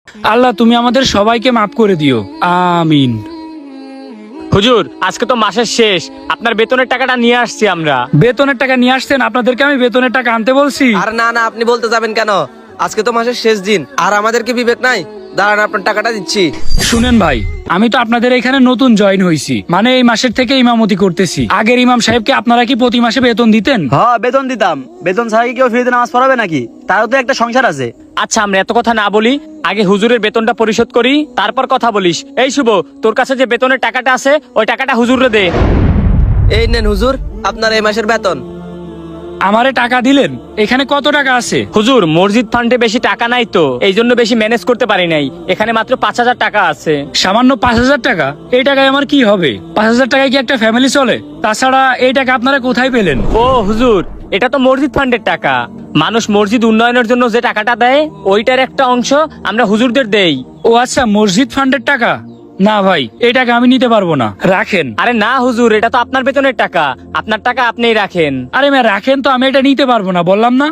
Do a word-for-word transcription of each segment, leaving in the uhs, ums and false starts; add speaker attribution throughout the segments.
Speaker 1: আল্লাহ তুমি আমাদের সবাইকে মাফ করে দিও, আমিন।
Speaker 2: হুজুর, আজকে তো মাসের শেষ, আপনার বেতনের টাকাটা নিয়ে আসছি আমরা।
Speaker 1: বেতনের টাকা নিয়ে আসছেন? আপনাদেরকে আমি বেতনের টাকা আনতে বলছি?
Speaker 3: আর না না, আপনি বলতে যাবেন কেন? আজকে তো মাসের শেষ দিন, আর আমাদের কি বিবেক নাই? দাঁড়ান, আপনার টাকাটা দিচ্ছি।
Speaker 1: শুনেন ভাই, আমি তো আপনাদের এখানে নতুন জয়েন হয়েছি, মানে এই মাসের থেকে ইমামতি করতেছি। আগের ইমাম সাহেবকে আপনারা কি প্রতি মাসে বেতন দিতেন?
Speaker 4: হ্যাঁ বেতন দিতাম। বেতন ছাড়া কি কেউ ফ্রিতে নামাজ পড়াবে নাকি? তারও তো একটা সংসার আছে।
Speaker 2: আচ্ছা, আমরা এত কথা না বলি, আগে হুজুরের বেতনটা পরিশোধ করি, তারপর কথা বলিস। এই শুভ, তোর কাছে যে বেতনের টাকাটা আছে ওই টাকাটা হুজুরে দে।
Speaker 3: এই নেন হুজুর, আপনার এই মাসের বেতন।
Speaker 1: আমারে টাকা দিলেন? এখানে কত টাকা আছে?
Speaker 2: হুজুর, মসজিদ ফান্ডে বেশি টাকা নাই তো, এই জন্য বেশি ম্যানেজ করতে পারি নাই। এখানে মাত্র পাঁচ হাজার টাকা আছে।
Speaker 1: সামান্য পাঁচ হাজার টাকা? এই টাকায় আমার কি হবে? পাঁচ হাজার টাকায় কি একটা ফ্যামিলি চলে? তাছাড়া এই টাকা আপনারা কোথায় পেলেন?
Speaker 2: ও হুজুর, এটা তো মসজিদ ফান্ডের টাকা। মানুষ মসজিদ উন্নয়নের জন্য যে টাকাটা দেয় ওইটার একটা অংশ আমরা হুজুরদের দেই।
Speaker 1: ও আচ্ছা, মসজিদ ফান্ডের টাকা। না ভাই, এই টাকা আমি নিতে পারবো না, রাখেন।
Speaker 2: আরে না হুজুর, এটা তো আপনার বেতনের টাকা, আপনার টাকা আপনিই রাখেন।
Speaker 1: আরে মেয়ে রাখেন তো, আমি এটা নিতে পারবো না, বললাম না।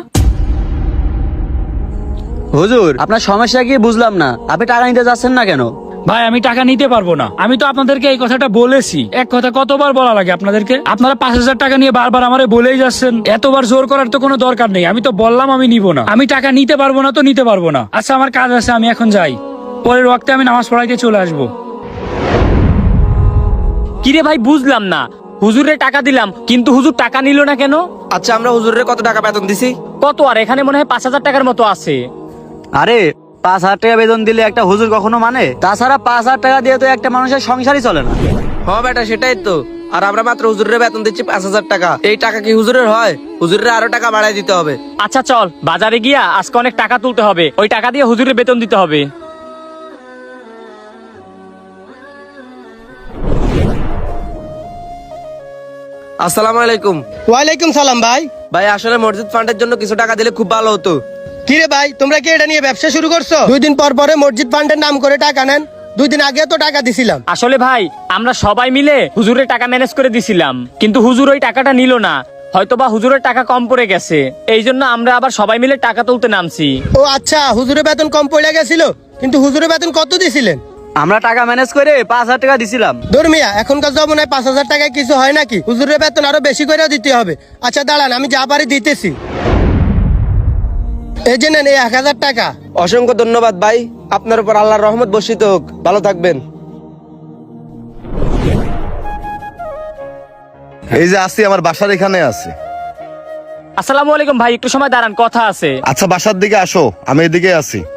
Speaker 4: হুজুর, আপনার সমস্যা কি বুঝলাম না। আপনি টাকা নিতে যাচ্ছেন না কেন?
Speaker 1: ভাই আমি টাকা নিতে পারবো না। আমি তো আপনাদেরকে এই কথাটা বলেছি। এক কথা কতবার বলা লাগে আপনাদেরকে? আপনারা পাঁচ হাজার টাকা নিয়ে বারবার আমারে বলেই যাচ্ছেন। এতবার জোর করার তো কোনো দরকার নেই। আমি তো বললাম আমি নিব না। আমি টাকা নিতে পারবো না তো নিতে পারবো না। আচ্ছা আমার কাজ আছে, আমি এখন যাই। পরের ওয়াক্তে আমি নামাজ পড়াইতে চলে আসবো।
Speaker 2: কিরে ভাই, বুঝলাম না। হুজুরের টাকা দিলাম কিন্তু হুজুর টাকা নিল না কেন?
Speaker 3: আচ্ছা, আমরা হুজুরের কত টাকা বেতন দিছি?
Speaker 2: কত আর, এখানে মনে হয় পাঁচ হাজার টাকার মতো আছে।
Speaker 4: আরে পাঁচ হাজার টাকা বেতন দিলে একটা হুজুর কখনো মানে? তাছাড়া পাঁচ হাজার টাকা দিয়ে তো একটা মানুষের সংসারই চলে না।
Speaker 3: হ বেটা, সেটাই তো। আর আমরা মাত্র হুজুরের বেতন দিচ্ছি পাঁচ হাজার টাকা। এই টাকা কি হুজুরের হয়? হুজুরের আরো টাকা বাড়াই দিতে হবে।
Speaker 2: আচ্ছা চল, বাজারে গিয়া আজকে অনেক টাকা তুলতে হবে, ওই টাকা দিয়ে হুজুরের বেতন দিতে হবে।
Speaker 3: আসসালামু আলাইকুম।
Speaker 5: ওয়ালাইকুম সালাম ভাই।
Speaker 3: ভাই আসলে মসজিদ ফান্ডের জন্য কিছু টাকা দিলে খুব ভালো হতো।
Speaker 5: কিরে ভাই, তোমরা কি এটা নিয়ে ব্যবসা শুরু করছো? দুই দিন পর পরে মসজিদ ফান্ডের নাম করে টাকা নেন। দুই দিন আগে তো টাকা দিছিলাম।
Speaker 2: আসলে ভাই, আমরা সবাই মিলে হুজুরের টাকা ম্যানেজ করে দিছিলাম, কিন্তু হুজুর ওই টাকাটা নিল না। হয়তোবা হুজুরের টাকা কম পড়ে গেছে, এই জন্য আমরা আবার সবাই মিলে টাকা তুলতে নামছি।
Speaker 5: ও আচ্ছা, হুজুরের বেতন কম পড়ে গেছিল, কিন্তু হুজুরের বেতন কত দিছিলেন?
Speaker 4: আমরা টাকা ম্যানেজ করে পাঁচ হাজার টাকা দিছিলাম।
Speaker 5: ধর্মিয়া, এখনকার জমানায় পাঁচ হাজার টাকায় কিছু হয় নাকি? হুজুরের বেতন আরো বেশি করে দিতে হবে। আচ্ছা দাঁড়ান, আমি যা পারি দিতেছি। এই যে নেন, এই এক হাজার টাকা।
Speaker 3: অসংখ্য ধন্যবাদ ভাই, আপনার উপর আল্লাহর রহমত বর্ষিত হোক। ভালো থাকবেন।
Speaker 6: এই যে আসি, আমার বাসার এখানে আছে।
Speaker 2: আসসালামু আলাইকুম ভাই, একটু সময় দাঁড়ান, কথা আছে।
Speaker 6: আচ্ছা বাসার দিকে আসো, আমি এদিকে আছি।